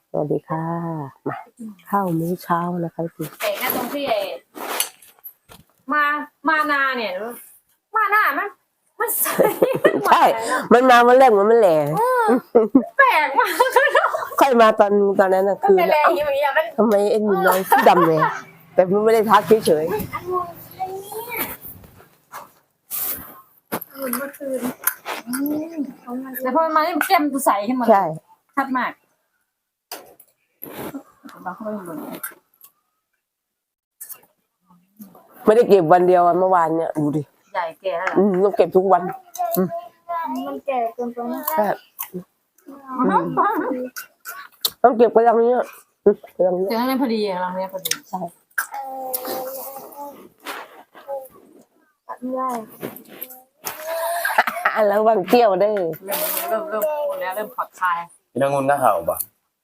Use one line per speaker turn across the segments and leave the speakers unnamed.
สวัสดีค่ะมาข้าวมื้อเช้านะคะพี่
แต่แค่ตรงที่มานาเนี่ยมานามันใส่
ใช่มันมาวันแรกมันแหล่
แปลกมาก
ค่อยมาตอนนั้นนะคือ
แรงอย่างเงี้ยมัน
ทำไมเอ็นมีน้อยที่ดำเลยแต่มันไม่ได้ทักเฉย
เมื่อคืนแต่พอมันมาแก้มใสขึ้นมา
ๆใช่
ชัดมากบางคนเหมือน
ไม่ได้เก็บวันเดียวเมื่อวานเนี่ยดูดิ
ใหญ่แก่แล้วเหรอ
ต้องเก็บทุกวัน
มันแก่เกินไปนะ
ใช่ต้องเก็บกระดังเนี้ยกระดังเนี้
เจ
ย
อให้พอดีเราเนี่ยพอดี
ใช่
ตัดไม่ได้
แล้ววางเที่ยวได้
เริ่มพูดแล้วเริ่มผ่อนคลาย
พี่นางงุนก็เห่าปะ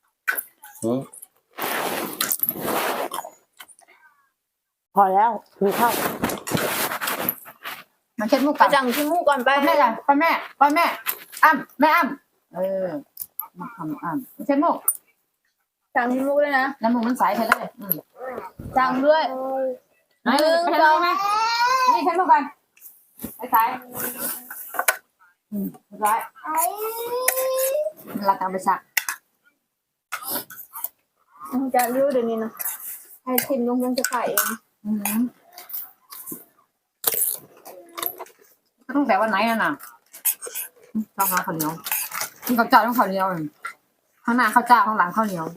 พอแล้วกินข้าว
มันเช็ดมุกกันจังที่มุกก่อนไปแม่จ้ะไปแม่อ้ำแม่อ้ำมาทำอ้ำเช็ดมุกจังที่มุกเลยนะแล้วมุกมันใสใช่เลยจังด้วยไหนไปทำไหมนี่เช็ดมุกกันใสร้อยเราจะไปซัก
จะรู้เดี๋ยวนี้นะให้ทิมลงยังจะขายเอง
ตั้งแต่วันไหนน่ะต้องหาข้าวเหนียวกินกับเจ้าต้องข้าวเหนียวข้างหน้าข้าวเจ้าข้างหลังข้าวเหนียว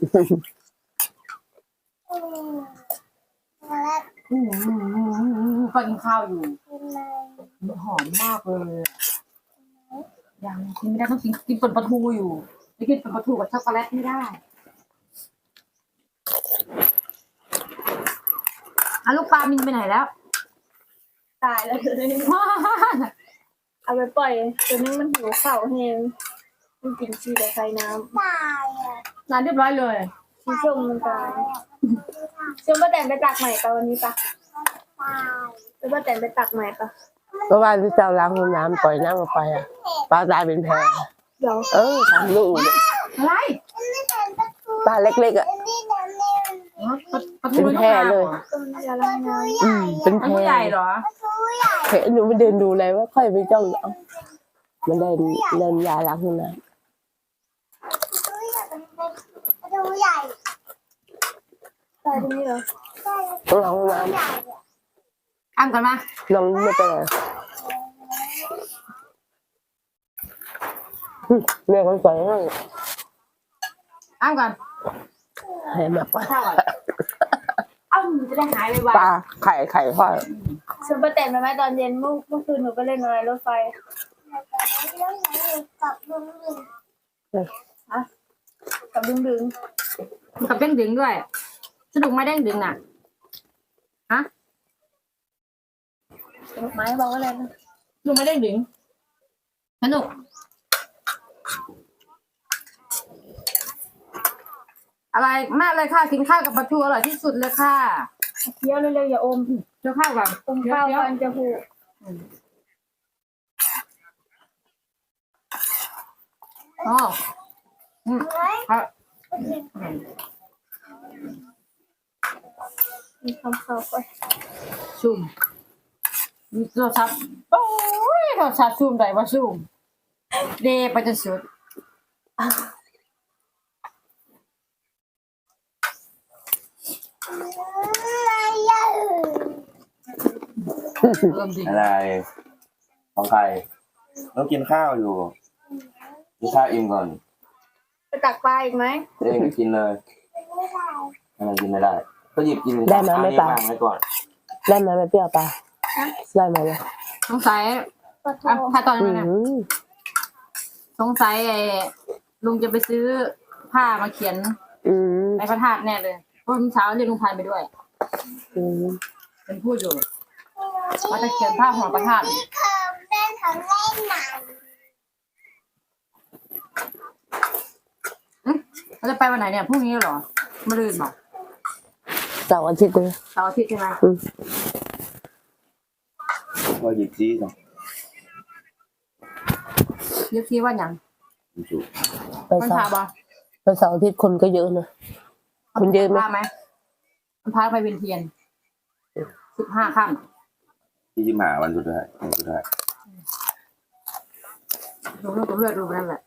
ก็กินข้าวอยู่หอมมากเลยยังกินไม่ได้ต้องกินป่นปลาทูอยู่ไม่กินป่นปลาทูกับช็อกโกแลตไม่ได้ลูกปลามินไปไหนแล้ว
ตายแล้วเลยเอาไปปล่อยตัวนี้มันหิวข้าวแห้งมันกินชีแต่ใส่น้ำ
นานเรียบร้อยเลย
ชีส้มมันตายส้มป้าแตนไปตักใหม่ปะวันนี้ปะป้าแตนไปตักใหม่ปะ
เมื่อวานที่เจ้าล้างห้องน้ำปล่อยน้ำออกไปอ่ะปลาตายเป็นแพ
เดี๋ยว
ทำลูก
อะไร
ปลาเล็กๆอ่ะ
ปลาทู
เป็นแพเลย
ต้นยาล้างน้
เป็น
ปลา
แพ
ทูใหญ่เหรอ
เห็นหนูไปเดินดูเลยว่าค่อยไปจ้องเอามันเดินยาล้างห้องน้
ำตายตรงนี้เหรอ
ำต้องล้างห้องน้
อ้ำกันมา
ำน้องไม่เป็นไรเมียคนสวยมาก
อ้ำกัน
ให้มากกว่า
ข้าวก่อนอ้ำจะได้หายไว
ปลาไข่ทอด
ส้มป้าแตนไปไหมตอนเย็นเมื่อคืนหนูไปเล่นอะไรรถไฟกับดึง
ๆกับเด้งดึงด้วยสนุกไหมเด้งดึงน่ะฮะ
ไม้บอกว่าอะไรนะ
สนุกไหมเด้งดึงสนุกอะไรมากเลยค่ะกินข้าวกับปลาทูอร่อยที่สุดเลยค่ะ
เคี้ยวเร็วๆอย่าอม
เจ้าข้าวก่อน
อมข้าวฟันจะผูก
อ๋อครับ
มีคำข้าวไป
ซุ่มรสชาติโอ้ยรสชาติซุ่มได้ว่าซุ่มเดไปจนสุดเริ่มดี
อะไรของใครต้องกินข้าวอยู่กินข้าวอิ่มก่อน
ไปตักปลาอีกไหม
ตัวเองก็กินเลยอะไรกินไม่ได้ ก็หยิบกิน
ได้ไหมไม่ปลา
วางไว้ก่อน
ได้ไหมไม่เปรี้ยวปลาได้ไหมเนี่ย
สงสัย
ปลาท
อ่ะ
อง
ถ้าตอน
อื
นี้นะ
ม
สงสัยลุงจะไปซื้อผ้ามาเขียน
อืม
ในพระธาตุแน่เลยเพราะเมื่อเช้าเรียกลุงพันธุ์ไปด้วย
อืม
เป็นพูดอยู่ว่าจะเขียนผ้าหัวพระธาตุเราจะไปวันไหนเนี่ยพรุ่งนี้เหรอมะรืนบอก
เสาร์อาทิตย์เลย
เสาร์อาทิตย์ใช่ไหม
ก็หยิบจี้ก่อน
เรียกที่ว่าอย่าง
จุ
ไป
วัน
เสา
พา
ร์
บอ
ไปวันเสาร์อาทิตย์คนก็เยอะนะคนเยอะไหม
พาไหมมันพาไปเวียนเทียน15 ค่ำ
ที่หมาวันสุดท้ายวันสุดท้าย
ดูลูกกับเลือดดูนั่นแหละ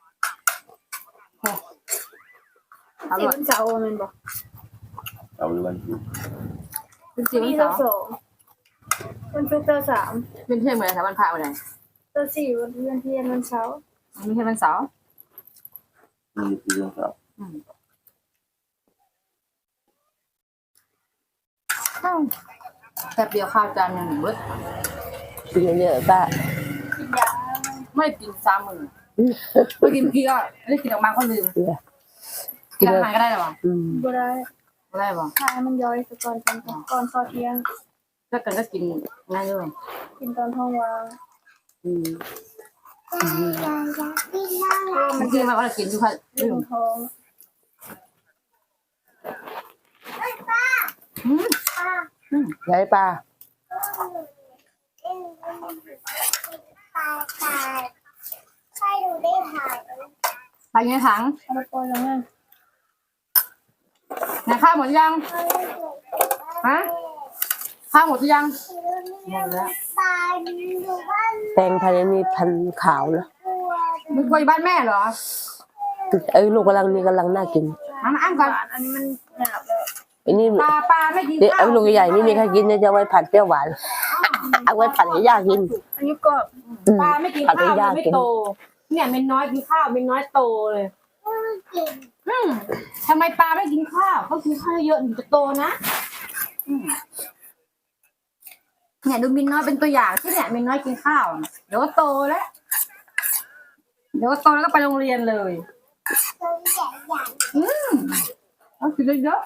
เอา
สี่
ด้วย
วันเสาร์มันบอก
เอาหรือวันศุกร์
เป็นสี่วัน
นี่
เสา
เจ้า
ร์
2วันศุกร์เจ้า3
เป็นเที่ยงเหมือนแต่วันพระวันไหน
เจ้า4วันเพื่อนเที่ยงวันเสาร์
ไม่ใช่วันเสาร์
มีที่เรื่องครับ
แป๊บเดียวข้าวจานหนึ่งเว้ย
กินเยอะๆป้า
กินยา
ไม่ได้กิน3 มื้อไม่กินกี่ก็ไม่ได้กินออกมาก็ลืม กินอาหารก็ได้หรอวะ
บ่ได้
ไม่ได้ป่ะ
ทานมันย่อยซะก่อนก่อนข้าวเที่ยง
ถ้าเกิดก็กินง่ายด้วย
กินตอนท้องว่าง
มันกินมาว่ากินอยู่ค่ะ
ลืมท้อง
ไหนปลา
ไปยังถัง
เอาไปปล่อยแล้วไง
งานข้าวหมดยังฮะข้าวหมดหรือยังหมดแล้ว
แตงภายในนี้พันขาวนะ
มึงไปบ้านแม่เหรอ
ลูกกำลังน่ากิน
มาอ้างก่อน
อันนี้มันหยาบแล้ว
ไอ้นี่
ปลาไม่กิน
เดี๋ยว
ข้าว
ลูกใหญ่ๆนี่มีใครกินเนี่ยจะไว้ผัดเปรี้ยวหวานเอาไว้ผัดให้ย่ากิน
อันนี้ก็
ปลาไม่กินข้าวมันไม่โต เนี่ยเม็นน้อยกินข้าวเม็นน้อยโตเลยทำไมปลาไม่กินข้าวก็กินข้าวเยอะถึงจะโตนะเนี่ยดูมินน้อยเป็นตัวอย่างที่เนี่ยมินน้อยกินข้าวเดี๋ยวก็โตแล้วเดี๋ยวก็โตแล้วก็ไปโรงเรียนเลยเอากินเยอะ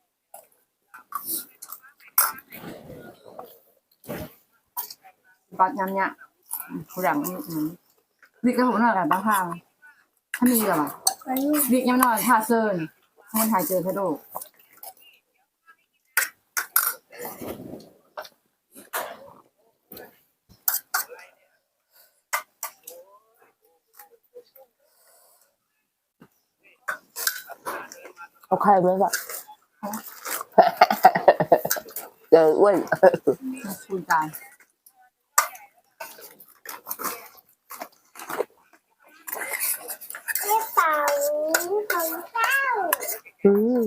ๆปัดยำเนี่ยผู้หลังวิกกับผมหน่อยกันบ้างค่ะถ้ามีหรอวิกยังหน่อยท่าเซิร์นมันหายเจอแค่โด
เอาไข่ไหมปะเดี๋ยวอ้วน
คุยกัน
อืม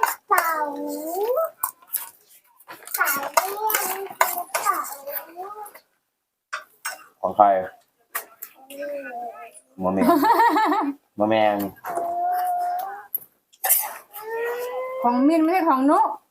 ของใครมะแมงมะแมง
ของมินไม่ใช่ของนุ